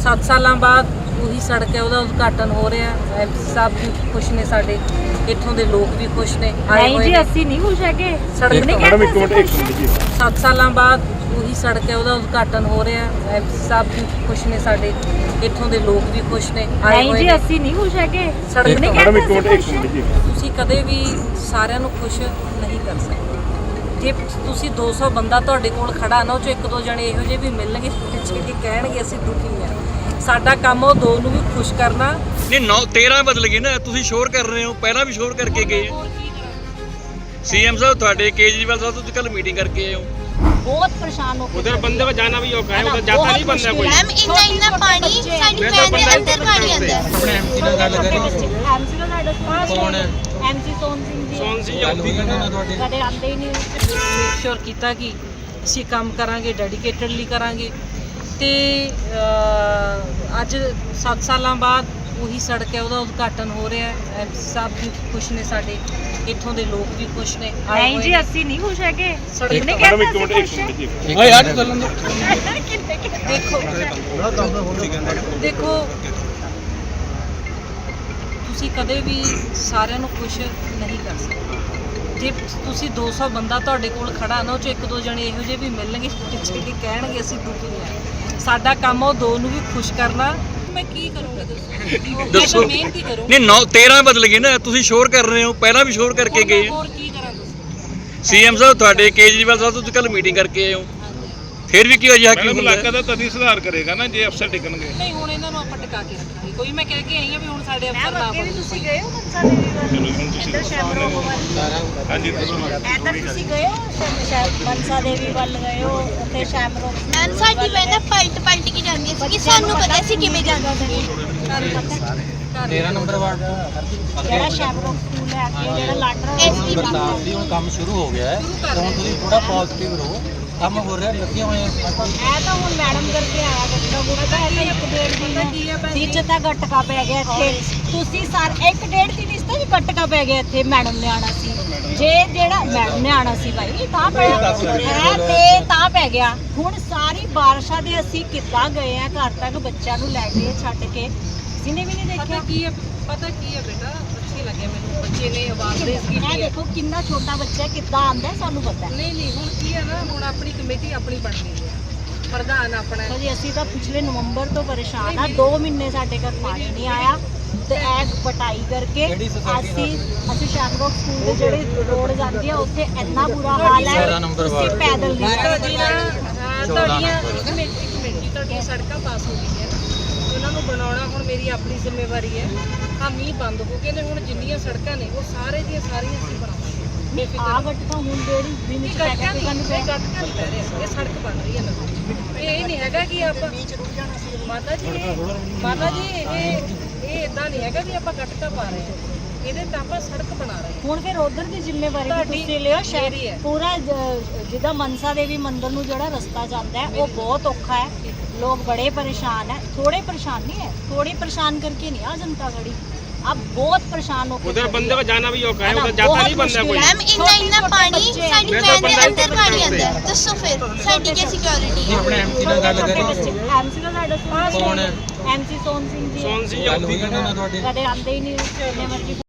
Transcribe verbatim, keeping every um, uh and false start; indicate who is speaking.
Speaker 1: ਸੱਤ ਸਾਲਾਂ ਬਾਅਦ ਉਹੀ ਸੜਕ ਹੈ, ਉਹਦਾ ਉਦਘਾਟਨ ਹੋ ਰਿਹਾ। ਐਮਪੀ ਸਾਹਿਬ ਵੀ ਖੁਸ਼ ਨੇ, ਸਾਡੇ ਇੱਥੋਂ ਦੇ ਲੋਕ ਵੀ ਖੁਸ਼ ਨੇ।
Speaker 2: ਨਹੀਂ ਜੀ, ਅਸੀਂ ਨਹੀਂ ਖੁਸ਼ ਹੈਗੇ।
Speaker 1: ਸੜਕ
Speaker 2: ਨਹੀਂ
Speaker 3: ਮੈਡਮ ਇੱਕ ਮਿੰਟ ਇੱਕ ਮਿੰਟ ਜੀ।
Speaker 1: ਸੱਤ ਸਾਲਾਂ ਬਾਅਦ ਉਹੀ ਸੜਕ ਹੈ, ਉਹਦਾ ਉਦਘਾਟਨ ਹੋ ਰਿਹਾ। ਐਮਪੀ ਸਾਹਿਬ ਵੀ ਖੁਸ਼ ਨੇ, ਸਾਡੇ ਇੱਥੋਂ ਦੇ ਲੋਕ ਵੀ ਖੁਸ਼ ਨੇ।
Speaker 2: ਨਹੀਂ ਜੀ, ਅਸੀਂ ਨਹੀਂ ਖੁਸ਼ ਹੈਗੇ।
Speaker 1: ਸੜਕ ਨਹੀਂ
Speaker 3: ਮੈਡਮ ਇੱਕ ਮਿੰਟ ਇੱਕ ਮਿੰਟ ਜੀ।
Speaker 1: ਤੁਸੀਂ ਕਦੇ ਵੀ ਸਾਰਿਆਂ ਨੂੰ ਖੁਸ਼ ਨਹੀਂ ਕਰ ਸਕਦੇ। ਜੇ ਤੁਸੀਂ ਦੋ ਸੌ ਬੰਦਾ ਤੁਹਾਡੇ ਕੋਲ ਖੜਾ ਨਾ, ਉਹ ਚੋਂ ਇੱਕ ਦੋ ਜਣੇ ਇਹੋ ਜਿਹੇ ਵੀ ਮਿਲਣਗੇ ਜਿਹੜੇ ਕਹਿਣਗੇ ਅਸੀਂ ਦੁਖੀ ਹਾਂ। ਸਾਡਾ ਕੰਮ ਉਹ ਦੋ ਨੂੰ ਵੀ ਖੁਸ਼ ਕਰਨਾ।
Speaker 4: ਨਹੀਂ ਨੌ ਤੇਰਾਂ ਬਦਲ ਗਏ ਨਾ, ਤੁਸੀਂ ਸ਼ੋਰ ਕਰ ਰਹੇ ਹੋ, ਪਹਿਲਾਂ ਵੀ ਸ਼ੋਰ ਕਰਕੇ ਗਏ। ਸੀਐਮ ਸਾਹਿਬ ਤੁਹਾਡੇ केजरीवाल साहब तो कल मीटिंग करके आए हो।
Speaker 2: बहुत परेशान हो।
Speaker 5: उधर बंदे को जाना भी औखा है, उधर जाता नहीं बंदा कोई।
Speaker 6: मैम इतना इतना पानी साडी पैन दे अंदर पानी आंदा है।
Speaker 5: अपने एमसी ਨਾਲ ਗੱਲ ਕਰੀ।
Speaker 2: एमसी ਦਾ ਸਾਡਾ ਕੌਣ ਹੈ? एमसी सोन सिंह जी।
Speaker 5: सोन सिंह ਆਉਂਦੀ ਕਹਿੰਦੇ ਨਾ ਤੁਹਾਡੇ
Speaker 2: ਕਦੇ ਆਉਂਦੇ ਹੀ ਨਹੀਂ।
Speaker 1: ਮੇਕ ਸ਼ੋਰ ਕੀਤਾ ਕਿ ਅਸੀਂ ਕੰਮ ਕਰਾਂਗੇ, ਡੈਡੀਕੇਟਡਲੀ ਕਰਾਂਗੇ। ਤੇ ਅੱਜ ਸੱਤ ਸਾਲਾਂ ਬਾਅਦ ਉਹੀ ਸੜਕ ਹੈ, ਉਹਦਾ ਉਦਘਾਟਨ ਹੋ ਰਿਹਾ। ਐਮਪੀ ਸਾਹਿਬ ਵੀ ਖੁਸ਼ ਨੇ, ਸਾਡੇ ਇੱਥੋਂ ਦੇ ਲੋਕ ਵੀ ਖੁਸ਼ ਨੇ।
Speaker 2: ਨਹੀਂ ਜੀ, ਅਸੀਂ ਨਹੀਂ ਖੁਸ਼ ਹੈਗੇ।
Speaker 1: ਸੜਕ
Speaker 2: ਨਹੀਂ
Speaker 3: ਮੈਡਮ ਇੱਕ
Speaker 2: ਕਹਿੰਦੇ
Speaker 3: ਮਿੰਟ
Speaker 2: ਅਸੀਂ
Speaker 3: ਇੱਕ ਮਿੰਟ ਜੀ।
Speaker 4: ਓਏ ਯਾਰ ਚੱਲਣ ਦੋ।
Speaker 1: ਦੇਖੋ ਦੇਖੋ ਤੁਸੀਂ ਕਦੇ ਵੀ ਸਾਰਿਆਂ ਨੂੰ ਖੁਸ਼ ਨਹੀਂ ਕਰ ਸਕਦੇ। ਜੇ ਤੁਸੀਂ ਦੋ ਸੌ ਬੰਦਾ ਤੁਹਾਡੇ ਕੋਲ ਖੜਾ ਨਾ, ਉਹ ਚੋਂ ਇੱਕ ਦੋ ਜਣੇ ਇਹੋ ਜਿਹੇ ਵੀ ਮਿਲਣਗੇ ਜਿਹੜੇ ਕਹਿਣਗੇ ਅਸੀਂ ਦੁਖੀ ਹਾਂ। ਸਾਡਾ ਕੰਮ ਉਹ ਦੋ ਨੂੰ ਵੀ ਖੁਸ਼ ਕਰਨਾ। ਮੈਂ ਕੀ ਕਰੂੰਗਾ ਦੱਸੋ?
Speaker 4: ਦੱਸੋ।
Speaker 1: ਮਿਹਨਤ ਹੀ ਕਰੂੰ।
Speaker 4: ਨਹੀਂ ਨੌ ਤੇਰਾਂ ਬਦਲ ਗਏ ਨਾ, ਤੁਸੀਂ ਸ਼ੋਰ ਕਰ ਰਹੇ ਹੋ, ਪਹਿਲਾਂ ਵੀ ਸ਼ੋਰ ਕਰਕੇ ਗਏ।
Speaker 1: ਹੋਰ ਕੀ ਕਰਾਂ ਦੱਸੋ?
Speaker 4: ਸੀਐਮ ਸਾਹਿਬ ਤੁਹਾਡੇ केजरीवाल साहब ਤੋਂ ਕੱਲ ਮੀਟਿੰਗ ਕਰਕੇ ਆਏ ਹੋ, ਫਿਰ ਵੀ ਕੀ ਅਜਿਹਾ ਕੀ
Speaker 3: ਮੈਡਮ
Speaker 4: ਹੁੰਦਾ?
Speaker 3: ਇਲਾਕਾ ਦਾ ਤਦੀ ਸੁਧਾਰ ਕਰੇਗਾ ਨਾ ਜੇ ਅਫਸਰ ਟਿਕਣਗੇ।
Speaker 1: ਨਹੀਂ ਹੁਣ ਇਹਨਾਂ ਨੂੰ ਆਪਾਂ ਟਿਕਾ ਕੇ ਰੱਖਾਂਗੇ। ਕੋਈ ਮੈਂ ਕਹਿ ਕੇ ਆਈ ਹਾਂ ਵੀ ਹੁਣ ਸਾਡੇ ਅਫਸਰ ਨਾ
Speaker 2: ਅੱਗੇ ਵੀ
Speaker 1: ਬਣੋ।
Speaker 2: ਤੁਸੀਂ ਗਏ ਹੋ ਮਨਸਾ ਦੇਵੀ ਵੱਲ?
Speaker 3: ਚਲੋ ਹੁਣ ਤੁਸੀਂ
Speaker 2: ਇੱਧਰ ਸ਼ੈਮਰੋਗ ਵੱਲ।
Speaker 3: ਹਾਂਜੀ ਦੱਸੋ।
Speaker 2: ਇੱਧਰ ਤੁਸੀਂ ਗਏ ਹੋ ਸ਼ੈਮ- ਸ਼ੈਮ- ਮਨਸਾ ਦੇਵੀ ਵੱਲ ਗਏ ਹੋ? ਉੱਥੇ ਸ਼ੈਮਰੋਗ
Speaker 6: मैम साडी पैन पलट पलट के जांदी सी कि सानू पता सी किवें जांदा सी।
Speaker 7: तेरह नंबर वार्ड
Speaker 2: ਜਿਹੜਾ ਸ਼ੈਮਰੋਗ ਸਕੂਲ ਹੈ ਅੱਗੇ ਜਿਹੜਾ ਲਾਟਰਾ
Speaker 6: ਐਸਪੀ
Speaker 7: बरसात भी हुण काम शुरू हो गया है, तो हुण तुसीं थोड़ा पॉजिटिव रहो। काम हो रहा लगे हुए हैं।
Speaker 2: ਇਹ ਤਾਂ ਹੁਣ ਮੈਡਮ ਕਰਕੇ ਆਇਆ ਗੱਟਕਾ ਗੁੱਟਕਾ ਹੈ ਤਾਂ ਇੱਕ ਡੇਢ ਦਿਨ ਵਿੱਚ ਤਾਂ ਗੱਟਕਾ ਪੈ ਗਿਆ ਇੱਥੇ। ਤੁਸੀਂ ਸਰ ਇੱਕ ਡੇਢ ਦਿਨ ਇਸ ਤੋਂ ਵੀ ਗੱਟਕਾ ਪੈ ਗਿਆ ਇੱਥੇ। ਮੈਡਮ ਨੇ ਆਣਾ ਸੀ, ਜੇ ਜਿਹੜਾ ਮੈਡਮ ਨੇ ਆਣਾ ਸੀ ਭਾਈ ਤਾਂ ਪਿਆ ਹੈ ਤੇ ਤਾਂ ਪੈ ਗਿਆ। ਹੁਣ ਸਾਰੀ ਬਾਰਿਸ਼ਾਂ ਦੇ ਅਸੀਂ ਕਿੱਦਾਂ ਗਏ ਆ ਘਰ ਤੱਕ ਬੱਚਿਆਂ ਨੂੰ ਲੈ ਕੇ ਛੱਡ ਕੇ, ਜਿਹਨੇ ਵੀ ਨਹੀਂ ਦੇਖਿਆ।
Speaker 1: ਪਤਾ ਕੀ ਹੈ ਪਤਾ ਕੀ ਹੈ ਬੇਟਾ, ਅੱਛੀ ਲੱਗੇ ਮੈਨੂੰ ਬੱਚੇ ਨੇ ਆਵਾਜ਼ ਰੇਜ਼
Speaker 2: ਇਹ
Speaker 1: ਕੀਤੀ ਹੈ।
Speaker 2: ਦੇਖੋ ਕਿੰਨਾ ਛੋਟਾ ਬੱਚਾ ਕਿੱਦਾਂ ਆਂਦਾ ਸਾਨੂੰ ਪਤਾ ਹੈ।
Speaker 1: ਨਹੀਂ ਨਹੀਂ ਹੁਣ ਕੀ ਹੈ ਨਾ, ਹੁਣ ਆਪਣੀ ਕਮੇਟੀ ਆਪਣੀ ਬਣ ਗਈ ਹੈ, ਪ੍ਰਧਾਨ ਆਪਣਾ ਹੈ।
Speaker 2: ਜੀ ਅਸੀਂ ਤਾਂ ਪਿਛਲੇ ਨਵੰਬਰ ਤੋਂ ਪਰੇਸ਼ਾਨ ਆ। ਦੋ ਮਹੀਨੇ ਸਾਡੇ ਘਰ ਪਾਣੀ ਨਹੀਂ ਆਇਆ ਤੇ ਇਹ ਪਟਾਈ ਕਰਕੇ ਅਸੀਂ ਅਸੀਂ ਸ਼ੈਮਰੋਗ ਸਕੂਲ ਦੇ ਜਿਹੜੇ ਰੋਡ ਜਾਂਦੀ ਆ ਉੱਥੇ ਇੰਨਾ ਬੁਰਾ ਹਾਲ ਹੈ।
Speaker 7: तेरह नंबर
Speaker 2: ਤੁਸੀਂ
Speaker 7: वार्ड
Speaker 2: ਪੈਦਲ ਨਹੀਂ ਜਾ
Speaker 1: ਤੁਹਾਡੀ ਨਾ ਅਹ ਤੁਹਾਡੀਆਂ ਕਮੇਟੀ ਕਮੇਟੀ ਤੁਹਾਡੀਆਂ ਸੜਕਾਂ ਪਾਸ ਹੋ ਗਈਆਂ, ਉਹਨਾਂ ਨੂੰ ਬਣਾਉਣਾ ਹੁਣ ਮੇਰੀ ਆਪਣੀ ਜ਼ਿੰਮੇਵਾਰੀ ਹੈ। ਆ ਮੀਂਹ ਬੰਦ ਹੋ ਗਏ ਨੇ, ਹੁਣ ਜਿੰਨੀਆਂ ਸੜਕਾਂ ਨੇ ਉਹ ਸਾਰੇ ਦੀਆਂ ਸਾਰੀਆਂ ਅਸੀਂ ਬਣਾਵਾਂਗੇ।
Speaker 2: ਆ ਗੱਟ ਤਾਂ ਹੁਣ ਜਿਹੜੀ ਦਿਨ ਚ ਪੈ ਕੇ ਸਾਨੂੰ
Speaker 1: ਇਹ ਗੱਟ ਕਰ ਲੈ ਰਹੇ, ਇਹ ਸੜਕ ਬਣ ਰਹੀ ਹੈ ਨਵੀਂ। ਇਹ ਨਹੀਂ ਹੈਗਾ ਕਿ ਆਪਾਂ ਮਾਤਾ ਜੀ ਇਹ- ਮਾਤਾ ਜੀ ਇਹ ਇਹ ਇਦਾਂ ਨਹੀਂ ਹੈਗਾ ਵੀ ਆਪਾਂ ਗੱਟਕਾ ਪਾ ਰਹੇ ਹਾਂ, ਇਹਦੇ ਤਾਂ ਆਪਾਂ ਸੜਕ ਬਣਾ ਰਹੇ ਹਾਂ।
Speaker 2: ਹੁਣ ਫਿਰ ਉਧਰ ਦੀ ਜ਼ਿੰਮੇਵਾਰੀ ਵੀ
Speaker 1: ਤੁਹਾਡੀ
Speaker 2: ਤੁਸੀਂ ਲਿਓ।
Speaker 1: ਮੇਰੀ
Speaker 2: ਸ਼ਹਿਰ
Speaker 1: ਹੈ।
Speaker 2: ਪੂਰਾ ਜ- ਜਿੱਦਾਂ ਮਨਸਾ ਦੇਵੀ ਮੰਦਿਰ ਨੂੰ ਜਿਹੜਾ ਰਸਤਾ ਜਾਂਦਾ ਹੈ ਉਹ ਬਹੁਤ ਔਖਾ ਹੈ। ਲੋਕ ਬੜੇ ਪਰੇਸ਼ਾਨ ਹੈ। ਥੋੜੇ ਪਰੇਸ਼ਾਨ नहीं है, थोड़े परेशान करके नहीं आ जनता खड़ी, अब बहुत परेशान हो।
Speaker 5: उधर बंदे को जाना भी औखा है, उधर जाता नहीं बंदा कोई।
Speaker 6: मैम इतना इतना पानी साडी पैन दे अंदर पानी आंदा है। दसो फिर साडी क्या सिक्योरिटी है?
Speaker 7: अपने एमसी ਨਾਲ ਗੱਲ ਕਰੀ।
Speaker 2: एमसी ਦਾ ਸਾਡਾ
Speaker 7: कौन है?
Speaker 2: एमसी सोन सिंह जी।
Speaker 5: सोन सिंह
Speaker 7: ਗੱਲ
Speaker 5: आਉਂਦੀ
Speaker 7: ਹੋਈ ਨਾ ਤੁਹਾਡੀ?
Speaker 2: ਕਦੇ ਆਉਂਦੇ ਹੀ ਨਹੀਂ, ਜਿੰਨੇ ਮਰਜ਼ੀ